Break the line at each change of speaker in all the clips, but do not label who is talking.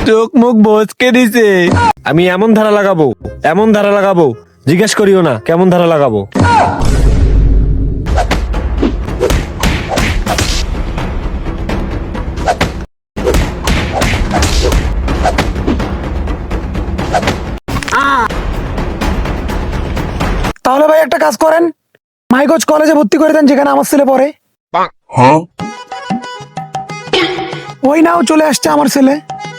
চোখ মুখ বচকে দিছে। আমি এমন ধারা লাগাবো, এমন ধারা লাগাবো, জিজ্ঞেস করিও না কেমন ধারা লাগাবো।
তাহলে ভাই একটা কাজ করেন, মাইগজ কলেজে ভর্তি করে দেন যেখানে আমার ছেলে পড়ে। ওই নাও চলে আসছে আমার ছেলে।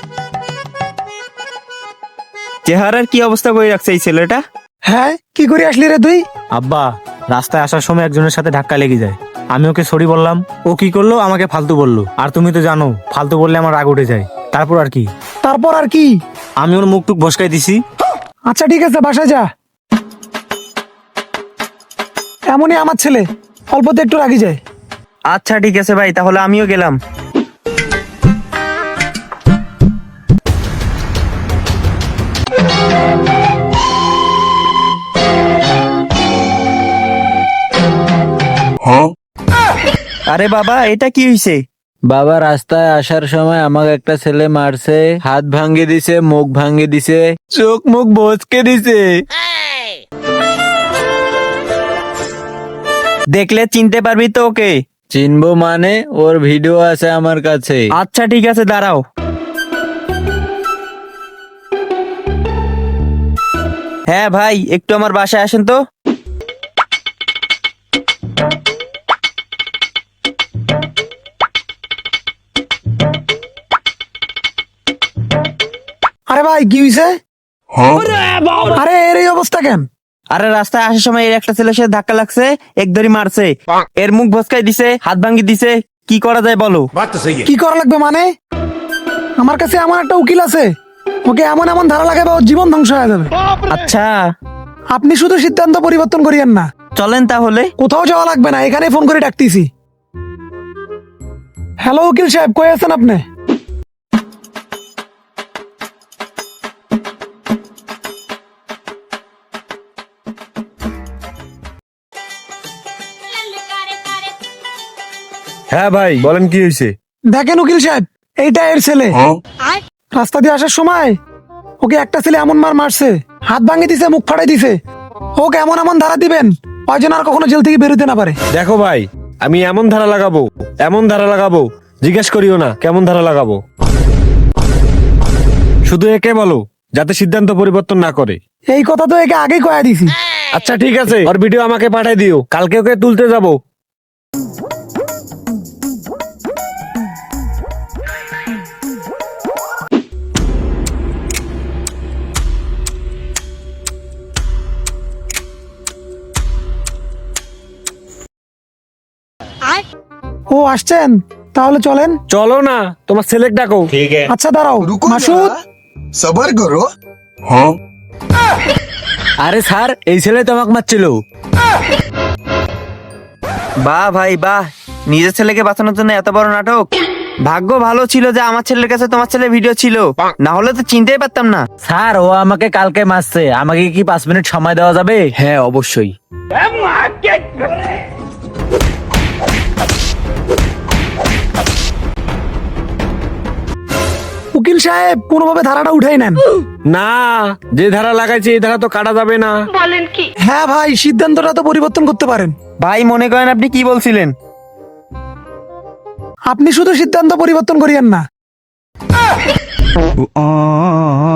চেহারার কি অবস্থা করে রাখছে এই ছেলেটা?
হ্যাঁ, কি করে আসলি রে তুই?
আব্বা, রাস্তায় আসার সময় একজনের সাথে ধাক্কা লেগে যায়। আমি ওকে সরি বললাম, ও কি করলো আমাকে ফালতু বললো। আর তুমি তো জানো ফালতু বললে আমার রাগ উঠে যায়। তারপর আর কি,
তারপর আর কি?
আমি ওর মুখ টুক ভসকাই দিছি।
আচ্ছা ঠিক আছে, বাসায় যা। এমনই আমার ছেলে, অল্পতে একটু রাগি যায়।
আচ্ছা ঠিক আছে ভাই, তাহলে আমিও গেলাম। আরে বাবা, এটা কি হইছে?
বাবা, রাস্তায় আসার সময় আমাকে একটা ছেলে মারছে, হাত ভাঙ্গি দিছে, মুখ ভাঙ্গি দিছে।
চোখ মুখ বচকে দিছে।
দেখলে চিনতে পারবি তো ওকে?
চিনবো মানে? ওর ভিডিও আছে আমার কাছে।
আচ্ছা ঠিক আছে, দাঁড়াও। হ্যাঁ ভাই, একটু আমার বাসায় আসেন তো।
আরে ভাই কি হয়েছে? আরে এর এই অবস্থা কেন?
আরে রাস্তায় আসার সময় এর একটা ছেলের সাথে ধাক্কা লাগছে, এক ধরি মারছে, এর মুখ ভসকাই দিছে, হাত ভাঙ্গি দিছে। কি করা যায় বলো?
কি করা লাগবে মানে? আমার কাছে এমন একটা উকিল আছে, ওকে এমন এমন ধারা লাগাবে ওর জীবন ধ্বংস হয়ে যাবে।
আচ্ছা
আপনি শুধু সিদ্ধান্ত পরিবর্তন করিয়েন না।
চলেন তাহলে।
কোথাও যাওয়া লাগবে না, এখানে ফোন করে ডাকতেছি। হ্যালো উকিল সাহেব, কই আছেন আপনি?
হ্যাঁ ভাই বলেন কি হয়েছে?
দেখেন উকিল সাহেব, এইটা এর ছেলে। রাস্তা দিয়ে আসার সময় ওকে একটা ছেলে এমন মারছে, হাত ভাঙে দিছে, মুখ ফাড়াই দিছে। ওকে এমন এমন ধারা দিবেন ওই যেন আর কখনো জেল থেকে বেরোতে না পারে।
দেখো ভাই, আমি এমন ধারা লাগাবো, এমন ধারা লাগাবো, জিজ্ঞেস করিও না কেমন ধারা লাগাবো। শুধু একে বলো যাতে সিদ্ধান্ত পরিবর্তন না করে।
এই কথা তো একে আগেই কয়া দিছি।
আচ্ছা ঠিক আছে, ওর ভিডিও আমাকে পাঠিয়ে দিও, কালকে ওকে তুলতে যাবো।
ও আসছেন, তাহলে চলেন।
চলো না, তোমার ছেলেকে ডাকো।
আচ্ছা দাঁড়াও, মাসুদ।
सबर करो।
আরে স্যার, এই ছেলে তো আমাকে মারছিল।
বাহ ভাই বাহ, নিজের ছেলেকে বাঁচানোর জন্য এত বড় নাটক। ভাগ্য ভালো ছিল যে আমার ছেলের কাছে তোমার ছেলের ভিডিও ছিল, না হলে তো চিনতেই পারতাম না।
স্যার, ও আমাকে কালকে মারছে, আমাকে কি 5 মিনিট সময় দেওয়া যাবে?
হ্যাঁ অবশ্যই।
উকিল সাহেব কোনোভাবে ধারাটা উঠাই নেন।
না, যে ধারা লাগাইছে এই ধারা তো কাটা যাবে না।
হ্যাঁ ভাই, সিদ্ধান্তটা তো পরিবর্তন করতে পারেন।
ভাই মনে করেন আপনি কি বলছিলেন?
আপনি শুধু সিদ্ধান্ত পরিবর্তন করিয়েন না।